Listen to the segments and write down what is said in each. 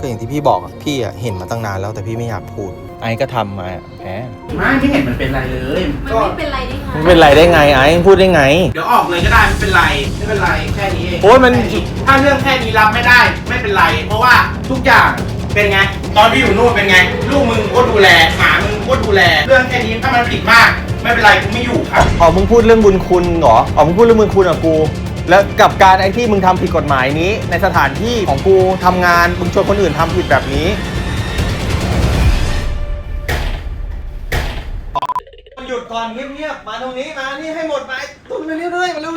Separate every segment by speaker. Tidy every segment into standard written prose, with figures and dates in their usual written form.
Speaker 1: ก็อย่างที่พี่บอกอะพี่อะเห็นมาตั้งนานแล้วแต่พี่ไม่อยากพูดไอ้ก็ทำมาแหม
Speaker 2: ไม่เห็นมันเป็นไรเลย
Speaker 3: มันไม่เป็นไรได้ไง
Speaker 1: ไม่เป็นไรได้ไงไอ้พูดได้ไง
Speaker 2: เดี๋ยวออกเลยก็ได้ไม่เป็นไรแค่นี้เอง
Speaker 1: โอ้ยมัน
Speaker 2: ถ้าเรื่องแค่นี้รับไม่ได้ไม่เป็นไรเพราะว่าทุกอย่างเป็นไงตอนที่อยู่นู่นเป็นไงลูกมึงก็ดูแลหมามึงก็ดูแลเรื่องแค่นี้ถ้ามันผิดมากไม่เป็นไรกูไม่อยู่ครับ
Speaker 1: มึงพูดเรื่องบุญคุณเหรอมึงพูดเรื่องบุญคุณกับกูแล้วกับการไอ้ที่มึงทำผิดกฎหมายนี้ในสถานที่ของกูทำงานมึงชวนคนอื่นทำผิดแบบนี้หยุดก่อนเงียบๆมาตรงนี้มานี่ให้หมดไปตุ้มเรื่อยๆมาเร็ว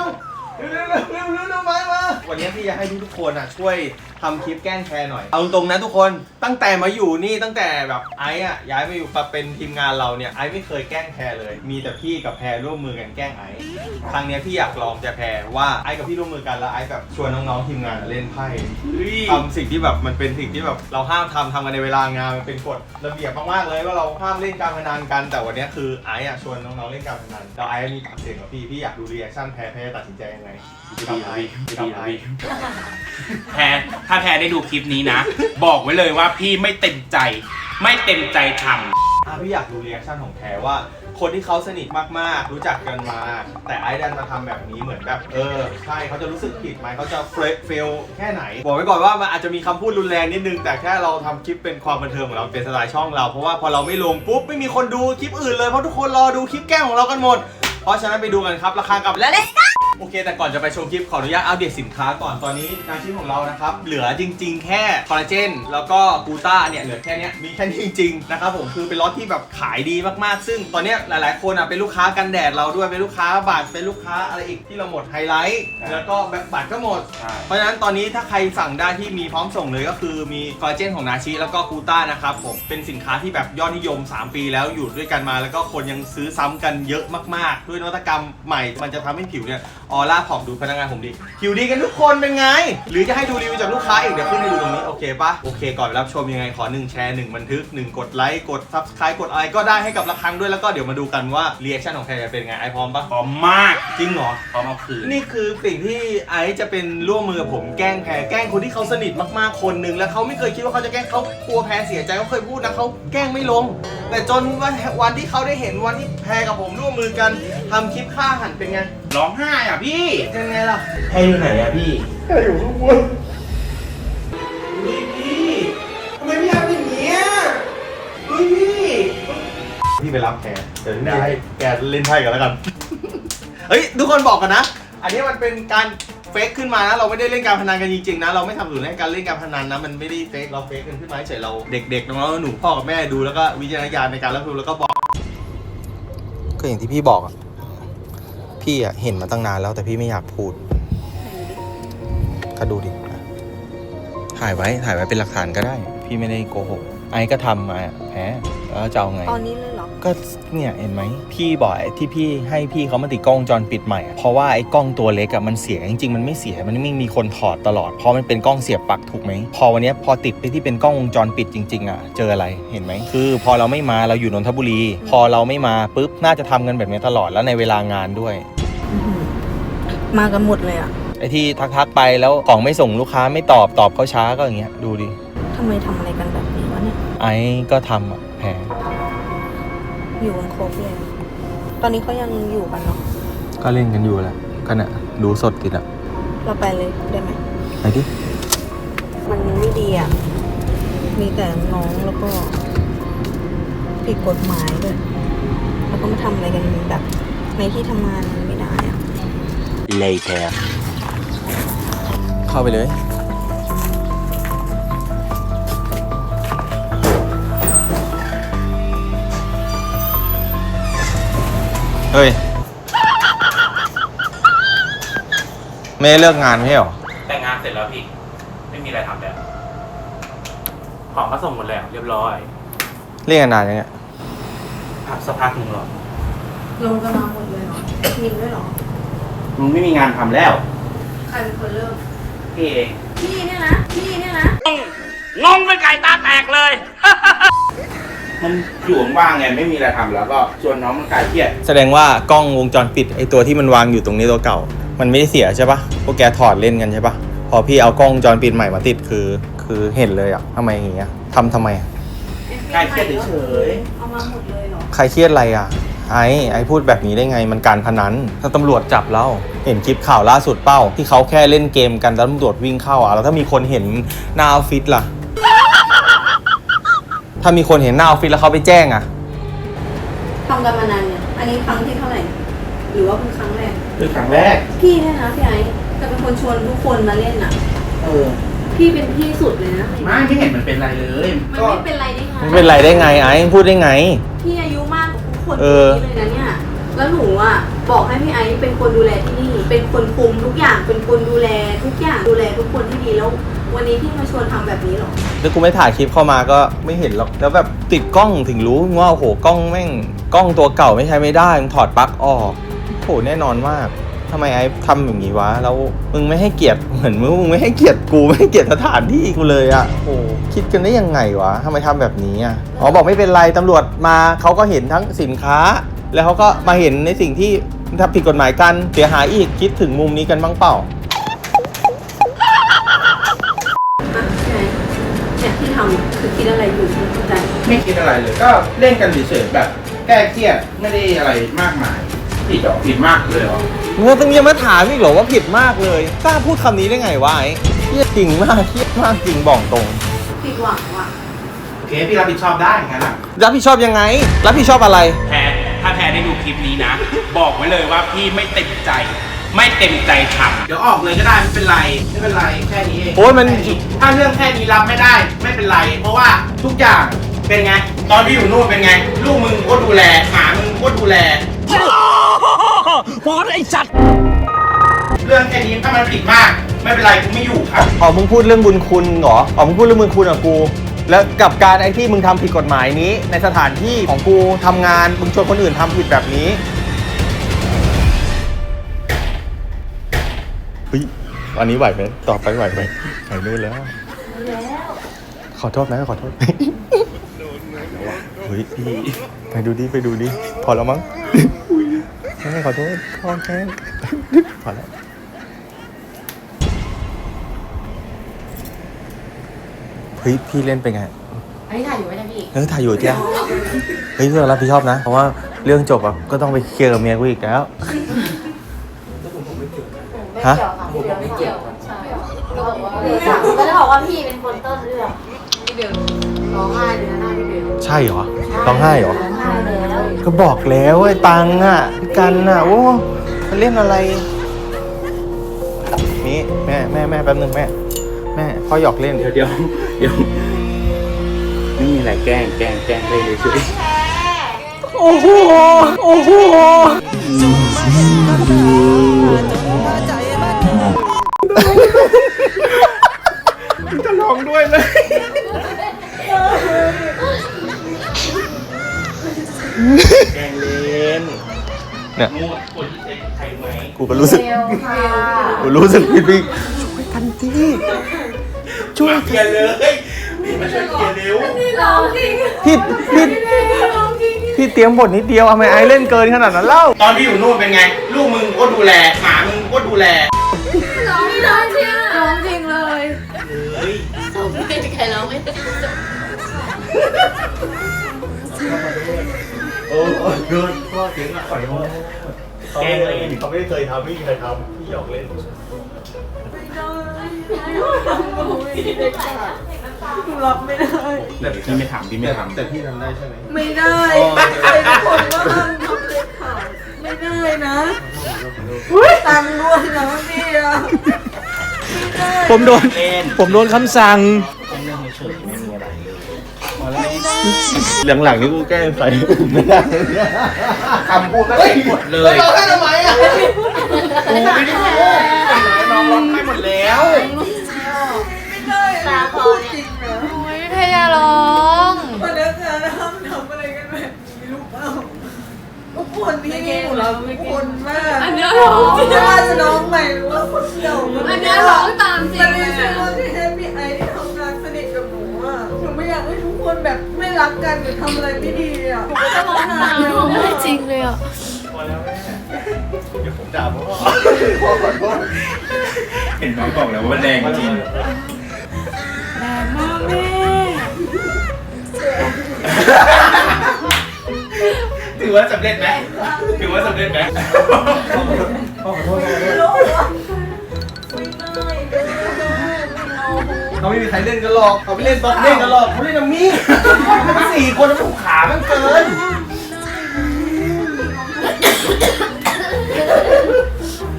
Speaker 1: มาวันนี้พี่จะให้ทุกคนช่วยทำคลิปแกล้งแพรหน่อยเอาตรงๆนะทุกคนตั้งแต่มาอยู่นี่ตั้งแต่แบบไอ้ย้ายมาอยู่มาเป็นทีมงานเราเนี่ยไอ้ไม่เคยแกล้งแพรเลยมีแต่พี่กับแพรร่วมมือกันแกล้งไอ้ครั้งนี้พี่อยากลองจะแพรว่าไอ้กับพี่ร่วมมือกันแล้วไอ้แบบชวนน้องๆทีมงานเล่นไพ่ทำสิ่งที่แบบมันเป็นสิ่งที่แบบเราห้ามทำกันในเวลางานมันเป็นกฎระเบียบมากๆเลยว่าเราห้ามเล่นการพนันกันแต่วันนี้คือไอ้ชวนน้องๆเล่นการพนันแล้วไอ้มีปากเสียงกับพี่อยากดูรีแอคชั่นแพรตัดสินใจยังไง
Speaker 2: แพรถ้าแพรได้ดูคลิปนี้นะบอกไว้เลยว่าพี่ไม่เต็มใจทำ
Speaker 1: พี่อยากดูรีแอคชั่นของแพรว่าคนที่เขาสนิทมากๆรู้จักกันมาแต่ไอ้ดันมาทำแบบนี้เหมือนแบบใช่เขาจะรู้สึกผิดไหมเขาจะเฟลแค่ไหนบอกไว้ก่อนว่ามันอาจจะมีคำพูดรุนแรงนิดนึงแต่แค่เราทำคลิปเป็นความบันเทิงของเราเป็นสไตล์ช่องเราเพราะว่าพอเราไม่ลงปุ๊บไม่มีคนดูคลิปอื่นเลยเพราะทุกคนรอดูคลิปแกล้งของเรากันหมดเพราะฉะนั้นไปดูกันครับราคากับและโอเคแต่ก่อนจะไปชมคลิปขออนุญาตอัปเดตสินค้าก่อนตอนนี้งานชิ้นของเรานะครับเหลือจริงๆแค่คอลลาเจนแล้วก็กูต้าเนี่ยเหลือแค่นี้มีแค่นี้จริงๆนะครับผมคือเป็นล็อตที่แบบขายดีมากๆซึ่งตอนนี้หลายๆคนเป็นลูกค้ากันแดดเราด้วยเป็นลูกค้าบัตรเป็นลูกค้าอะไรอีกที่เราหมดไฮไลท์แล้วก็แบบบัตรก็หมดเพราะฉะนั้นตอนนี้ถ้าใครสั่งได้ที่มีพร้อมส่งเลยก็คือมีคอลลาเจนของนาชิแล้วก็กูต้านะครับผมเป็นสินค้าที่แบบยอดนิยม3 ปีแล้วอยู่ด้วยกันมาแล้วก็คนยังซื้อซ้ำกันเยอะมากๆด้วยนวัตกรรมใหม่มันจะทำให้ผิวเนี่ยออร่าผ่องดูพนักงานผมดีผิวดีกันทุกคนเป็นไงหรือจะให้ดูรีวิวจากลูกค้าอีกเดี๋ยวขึ้นให้ดูตรงนี้โอเคปะโอเคก่อนรับชมยังไงขอ1แชร์1บันทึก1กดไลค์กด Subscribe กดอะไรก็ได้ให้กับระฆังด้วยแล้วก็เดี๋ยวมาดูกันว่ารีแอคชั่นของแพรจะเป็นไงไอพร้อมปะ
Speaker 2: พร้อมมาก
Speaker 1: จริงเหรอ
Speaker 2: พร้อมเอาคืน
Speaker 1: นี่คือสิ่งที่ไอจะเป็นร่วมมือกับผมแกล้งแพรแกล้งคนที่เขาสนิทมากๆคนนึงแล้วเขาไม่เคยคิดว่าเขาจะแกล้งเขากลัวแพรเสียใจเขาเคยพูดนะเขาแกล้งไม่ลงแต่จนวันที่เขาได้เห็นวันที่แพรกับผมร่วมมือกันทำคลิปฆ่าหันเป็นไง
Speaker 2: ร้องไห้พี่
Speaker 1: เป็นไงล่ะ
Speaker 2: แพรอยู่ไหนพี่
Speaker 1: แพรอยู่ข้างบนพี่ทำไมพี่ทำอย่างนี้พี่ไปรับแพรเดี๋ยวพี่ให้แกเล่นไพ่กันแล้วกันเฮ้ยทุกคนบอกกันนะอันนี้มันเป็นการเฟกขึ้นมานะเราไม่ได้เล่นการพนันกันจริงๆนะเราไม่ทำอยู่ในการเล่นการพนันนะมันไม่ได้เฟกเราเฟกกันขึ้นมาเฉยเราเด็กๆน้องๆหนูพ่อกับแม่ดูแล้วก็วิจารณญาณในการรับชมแล้วก็บอกก็อย่างที่พี่บอกพี่เห็นมาตั้งนานแล้วแต่พี่ไม่อยากพูดก็ดูดิถ่ายไว้เป็นหลักฐานก็ได้พี่ไม่ได้โกหกไอ้ก็ทำมาแพ้แล้วจะเอาไง
Speaker 3: ตอนนี้เลยเหรอ
Speaker 1: ก็เนี่ยเห็นไหมพี่บอกที่พี่ให้พี่เขามาติดกล้องวงจรปิดใหม่เพราะว่าไอ้กล้องตัวเล็กมันเสียจริงๆมันไม่เสียมันไม่มีคนถอดตลอดเพราะมันเป็นกล้องเสียบปลั๊กถูกไหมพอวันนี้พอติดไปที่เป็นกล้องวงจรปิดจริงๆเจออะไรเห็นไหมคือพอเราไม่มาเราอยู่นนทบุรีพอเราไม่มาปุ๊บน่าจะทำกันแบบนี้ตลอดแล้วในเวลางานด้วย
Speaker 3: มากันหมดเลย
Speaker 1: ไอ้ที่ทักไปแล้วของไม่ส่งลูกค้าไม่ตอบเขาช้าก็อย่างเงี้ยดูดิ
Speaker 3: ทำไมทำอะไรกันแบบนี้วะเนี่ย
Speaker 1: ไอ้ก็ทำแพร
Speaker 3: อยู่กันครบเลยตอนนี้เขายังอยู่กันเนาะ
Speaker 1: ก็เล่นกันอยู่แหละก็เนี่ยดูสดติด
Speaker 3: เราไปเลยได้ไหม
Speaker 1: ไปดิ
Speaker 3: มันไม่ดีมีแต่น้องแล้วก็ผิดกฎหมายด้วยแล้วก็มาทำอะไรกันแบบในที่ทำงานไม่ได้
Speaker 1: later เข้าไปเลยเฮ้ยไม่เลิกงานไม่หรอ
Speaker 2: แต่งานเสร็จแล้วพี่ไม่มีอะไรทำแล้วของก็ส่งหมดแล้วเรียบร้อย
Speaker 1: เรียกนานยังไง
Speaker 2: สักพักหนึ่งหรอ
Speaker 3: ลงกันมาหมดเลยเหรอมินด้วยเหรอ
Speaker 2: มันไม่มีงานทำแล้ว
Speaker 3: ใครเป็นคนเริ่ม
Speaker 2: พี่เอง
Speaker 3: พี่เนี่ยนะ
Speaker 2: งงเป็นไก่ตาแตกเลย มันอยู่ว่างไงไม่มีอะไรทำแล้วก็ชวนน้องมันคลายเครียด
Speaker 1: แสดงว่ากล้องวงจรปิดไอตัวที่มันวางอยู่ตรงนี้ตัวเก่ามันไม่ได้เสียใช่ปะพวกแกถอดเล่นกันใช่ปะพอพี่เอากล้องวงจรปิดใหม่มาติดคือคือเห็นเลยอ่ะทำไมอย่างเงี้ยทำไม
Speaker 2: คลายเครียดเฉย
Speaker 3: เอามาหมดเลยเหรอ
Speaker 1: ใครเครียดอะไรอ่ะไอ้พูดแบบนี้ได้ไงมันการพนันถ้าตำรวจจับเราเห็นคลิปข่าวล่าสุดเป้าที่เขาแค่เล่นเกมกันแล้วตำรวจวิ่งเข้าอ่ะแล้วถ้ามีคนเห็นหน้าออฟฟิศล่ะ ถ้ามีคนเห็นหน้าออฟฟิศแล้วเขาไปแจ้งอ่ะ
Speaker 3: ทำกันมานานเนี่ย อันนี้ครั้งที่เท่าไหร่ หรือว่าเป็นครั้งแรก
Speaker 2: คือครั้งแรก
Speaker 3: พี่เนี่ยนะพี่ไอ้จะเป็นคนชวนทุกคนมาเล่นอ่ะ พี่เป็นพี่สุดเลยนะ
Speaker 2: ไม่เห็นมันเป็นไรเลย
Speaker 3: มันไม่เป็นไรได้ไง
Speaker 1: ไม่เป็นไรได้ไงไอ้พูดได้ไง
Speaker 3: พี่อายุมากกว่าทุกคนที่เลยนะเนี่ย แล้วหนูอ่ะบอกให้พี่ไอ้เป็นคนดูแลที่นี่ เป็นคนคุมทุกอย่าง เป็นคนดูแลทุกอย่าง ดูแลทุกคนที่ดีแล้ว วันนี้พี่มาชวนทำแบบนี้หรอ
Speaker 1: แล้วกูไม่ถ่ายคลิปเข้ามาก็ไม่เห็นหรอกแล้วแบบติดกล้องถึงรู้ว่าโอ้โหกล้องแม่งกล้องตัวเก่าไม่ใช้ไม่ได้มึงถอดปลั๊กออกโหแน่นอนมากทำไมไอ้ทำอย่างนี้วะแล้วมึงไม่ให้เกียรติเหมือนมึงไม่ให้เกียรติกูไม่ให้เกียรติสถานที่กูเลยอะโอ้คิดกันได้ยังไงวะทำไมทำแบบนี้อะอ๋อบอกไม่เป็นไรตำรวจมาเขาก็เห็นทั้งสินค้า แล้วเขาก็มาเห็นในสิ่งที่ทำผิดกฎหมายกันเสียหายอีกคิดถึงมุมนี้กันบ้างเปล่า
Speaker 3: เนี่ยที่ทำคือคิดอะไรอยู่ไม่เข้าใจ
Speaker 2: ไม่คิดอะไรเลย ก็เล่นกันเฉยๆแบบแก้เครียดไม่ได้อะไรมากมายผิดหรอผิดมากเลยเหรอ
Speaker 1: มึงต้องยังมาถามอีกเหรอว่าผิดมากเลยกล้าพูดคำนี้ได้ไงวะไอ้เครียดจริงมากเครียดมากจริงบอกตรง
Speaker 3: ผิดหวังว่ะ
Speaker 2: โอเคพี่รับผิดชอบได้งั้นอ่ะ
Speaker 1: รับผิดชอบยังไง รับผิดชอบอะไร
Speaker 4: แพรถ้าแพรได้ดูคลิปนี้นะ บอกไว้เลยว่าพี่ไม่เต็มใจ ไม่เต็มใจทำ
Speaker 2: เดี๋ยวออกเลยก็ได้ไม่เป็นไรไม่เป็นไรแค่นี้เอง
Speaker 1: โอ้ยมัน
Speaker 2: แค่ถ้าเรื่องแค่นี้รับไม่ได้ไม่เป็นไร เพราะว่าทุกอย่างเป็นไง ตอนที่อยู่นู่นเป็นไง ลูกมึงก็ดูแลหมามึงก็ดูแล
Speaker 4: พอไอ้สัตว์
Speaker 2: เรื่องแค่นี้ถ้ามันผิดมาก ไม่เป็นไรกูไม่อยู่ครับ
Speaker 1: อ๋อมึงพูดเรื่องบุญคุณเหรออ๋อมึงพูดเรื่องบุญคุณกับกู แล้วกับการไอ้ที่มึงทำผิดกฎหมายนี้ ในสถานที่ของกูทำงานมึงชวนคนอื่นทำผิดแบบนี้เฮ้ยอันนี้ไหวไหมต่อไปไหวไหมไหวนู่นแล้ว ขอโทษนะขอโทษเฮ้ยไปดูดิไปดูดิพอแล้วมั้งไม่ขอโทษขอแค่พอแล้วเฮ้ยพี่เล่นเป็นไง
Speaker 5: อันนี้ถ่ายอยู่ไหมเนี่ยพี่
Speaker 1: ถ่ายอยู่เจ้าเฮ้ยเรื่องรับผิดชอบนะ เพราะว่าเรื่องจบอ่ะก็ต้องไปเคลียร์กับเมียกูอีกแล้ว
Speaker 5: ไม่เกี่ยวค่ะไม่เกี่ยวใช่ก็จะบอกว่าพี่เป็นคนต้นเรื่องพี่เบลร้องไห้เลยนะหน้าพี่เบล
Speaker 1: ใช่เหรอร้องไห้เหรอ
Speaker 5: ร้องไห้แล้ว
Speaker 1: ก็บอกแล้วไอ้ตังค์อ่ะพี่กันอ่ะโอ้มันเล่นอะไรนี่แม่แป๊บนึงแม่พ่อหยอกเล่น
Speaker 4: เดี๋ยวไม่มีอะไรแกล้งได้เลยช่วย
Speaker 1: โอ้โหโอ้โหจะร้องด้วยเลยแกล้งเล่นเนี่ย
Speaker 4: งูคนที่เป็นใครไหม
Speaker 1: กูก็รู้สึก
Speaker 5: เบลค่ะ
Speaker 1: กูรู้สึกพี่ช่วยกันที่ช่วย
Speaker 2: เคลียร์เลยพี่มาช่วยเคลียร์เร็ว
Speaker 5: ร้องจริง
Speaker 1: พี่เตรียมบทนิดเดียวทำไมไอเล่นเกินขนาดนั้นเล่า
Speaker 2: ตอนที่อยู่นู่นเป็นไง ลูกมึงก็ดูแลหมามึงก็ดูแล
Speaker 5: ร้องจริงร้องจริงเลย
Speaker 2: เฮ้ย
Speaker 5: ไม่มีใครร้องไม่ได้
Speaker 1: โอ้เกินพ่อเสียงอ่ะขอโทษ
Speaker 4: แกล้งเล่น
Speaker 1: เขาไม่เคยทำไม่เคยทำพี่หยอกเล่น
Speaker 3: รับไม่ได้
Speaker 4: แต่พี่ไม่ถามพี่ไม่ถาม
Speaker 1: แต่พี่ทำได้ใช่ไหม
Speaker 3: ไม่ได้ใครทุกคนก็ห้ามทำเลยค่ะไม่ได้นะตังค์ด้วยนะพี่อะไม่ได้
Speaker 1: ผมโดน
Speaker 4: เล่น
Speaker 1: ผมโดนคำสั่ง
Speaker 4: แกล้งเล่นเฉยๆไม่มีอะไรเลยพอแล้ว
Speaker 1: หลังๆนี่กูแกล้งใส่ไม่ได้
Speaker 2: คำพูดก็ผิดหมดเลย
Speaker 1: ร้องไห้ทำไมอ่ะ
Speaker 2: กูไม่ได้พูดน้องร้องไห้หมดแล้ว
Speaker 5: ตาคอเนี่ยโอ้ยพยาร้อง
Speaker 3: พนักงานห้ามทำอะไรกันแบบนี้ลูกเปล่าทุกคนที่นี่หนูรักทุกคนมาก
Speaker 5: อันเนี้ยร้อง
Speaker 3: ไม่ว่าจะน้องใหม่หรือว่าคนเก่า
Speaker 5: อันเนี้ยร้องตามจริง
Speaker 3: แต่
Speaker 5: เล
Speaker 3: ไม่
Speaker 5: ย
Speaker 3: ใช่
Speaker 5: อะ
Speaker 3: ว่าที่แฮปปี้ไอที่ทำงานสนิทกับหนูอ่ะหนูไม่อยากให้ทุกคนแบบไม่รักกันหรือทำอะไรไม่ดีอ่ะหนูก็จะร้องไห้
Speaker 5: ร้องไม่จริงเลยอ่ะ
Speaker 1: พอแล้วแม่เดี๋ยวผมด่าพ่อ
Speaker 4: เห็นไหมบอกแล้วว่าแรงจริง
Speaker 5: แรง
Speaker 2: ถือว่าสำเร็จไหมถือว่าสำเร็จไหม
Speaker 1: เขาไม่มีใครเล่นกันหรอกเขาไม่เล่นบล็อกเล่นกันหรอกเขาเล่นกับมี่สี่คนมันถูกขามันเกิน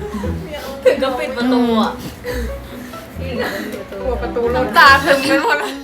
Speaker 5: ถึงก็ปิดประตูอ่ะ
Speaker 6: น้ำตาถึงไปหมดเลย